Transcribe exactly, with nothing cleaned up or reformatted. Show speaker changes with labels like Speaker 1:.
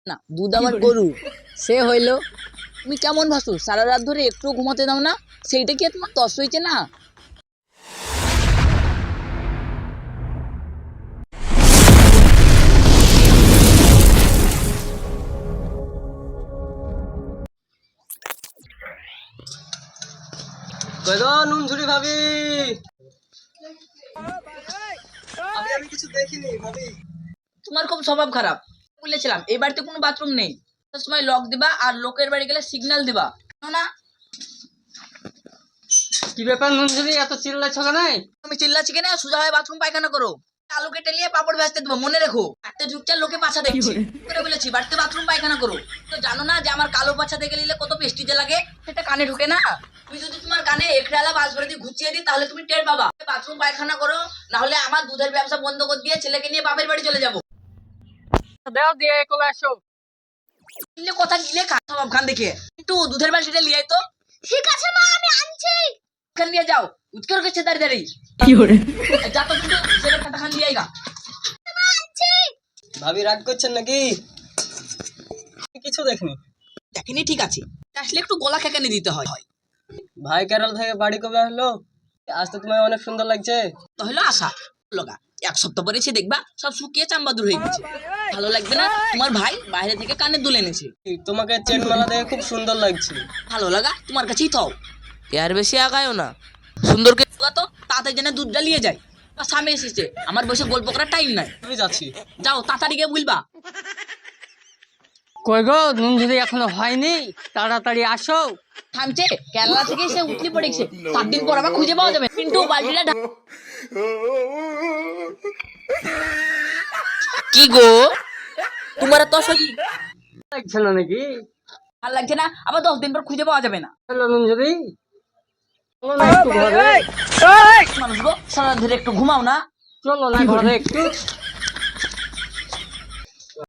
Speaker 1: না দুধ আমার গরু সে হইলো। তুমি কেমন ভাসু সারা রাত ধরে একটু ঘুমাতে দাও না, সেইটা কি তোমার তস হয়েছে না?
Speaker 2: কই গো নুনঝুরি ভাবি, আমি আমি কিছু দেখিনি ভাবি।
Speaker 1: তোমার খুব স্বভাব খারাপ। বলেছিলাম এই বাড়িতে কোনো বাথরুম নেই, সময় লক দিবা আর লোকের বাড়ি গেলে সিগন্যাল দিবা না।
Speaker 2: কি ব্যাপার নুনঝুরি, এত চিল্লাচ্ছ কেন?
Speaker 1: তুমি চিল্লাচ্ছি কেন? সোজা হয়ে বাথরুম পায়খানা করো। আলু কেটে নিয়ে পাপড় ভাজতে দেবো, মনে রেখো। একটা যুগটার লোকে পাছা দেখছি করে বলেছি বাড়িতে বাথরুম পায়খানা করো। তো জানো না যে আমার কালো পাছা দেখে নিলে কত পেস্টিজে লাগে? সেটা কানে ঢুকে না। তুমি যদি তোমার কানে একড়ালা বাস ভরে দিয়ে ঘুচিয়ে দিই তাহলে তুমি টের পাবা। বাথরুম পায়খানা করো, না হলে আমার দুধের ব্যবসা বন্ধ করে দিয়ে ছেলেকে নিয়ে বাপের বাড়ি চলে যাবো।
Speaker 2: দাও দিয়ে কবে আসো।
Speaker 1: কিনলে কথা গিলে খাওয়াব খান দেখে একটু দুধের বালতিটা লিয়ে আয় তো। ঠিক আছে মা, আমি আনছি। খান নিয়ে যাও, উৎকর করছে দাঁড়িয়ে দাঁড়িয়ে। কি করে যা তো কিন্তু ছেলে খাতা খান লিয়ে আইগা।
Speaker 2: ভাবি রাগ করছেন নাকি? আমি কিছু দেখিনি।
Speaker 1: দেখেনি ঠিক আছে, আসলে একটু গলা খেকানি দিতে হয়।
Speaker 2: ভাই কেরল থেকে বাড়ি কবে আসলো? আজ তো তোমায় অনেক সুন্দর লাগছে।
Speaker 1: তো হলো আশা লগা, এক সপ্তাহ পরে এসে দেখবা সব শুকিয়ে চাম্বাদুর হয়ে গেছে। ভালো লাগবে না? তোমার ভাই বাইরে থেকে কানে দুল এনেছে।
Speaker 2: তোমাকে চেন মালা দেখে খুব সুন্দর লাগছে।
Speaker 1: ভালো লাগা তোমার কাছেই থাও, এর বেশি আগায়ও না। সুন্দরকে তো তাতে যেন দুধ জ্বালিয়ে যায়। স্বামী এসেছে, আমার বসে গল্প করার টাইম নাই।
Speaker 2: আমি যাচ্ছি।
Speaker 1: যাও তাড়াতাড়ি গিয়ে বলবা।
Speaker 2: কই গো নুনঝুরি এখনো হয়নি, তাড়াতাড়ি আসো।
Speaker 1: থামছে, কেরালা থেকে সে উঠলি পড়েছে। সাত দিন পর আবার খুঁজে পাওয়া যাবে। কিন্তু বালতিটা ঢা- কি গো তোমার তো সই
Speaker 2: লাগছে না নাকি?
Speaker 1: আর লাগছে না? আবার দশ দিন পর খুঁজে পাওয়া যাবে না।
Speaker 2: হ্যালো নুনঝুরি, চলো না একটু ঘরে।
Speaker 1: মানুষ গো সারা ধরে একটু ঘুমাও না।
Speaker 2: চলো না ঘরে একটু।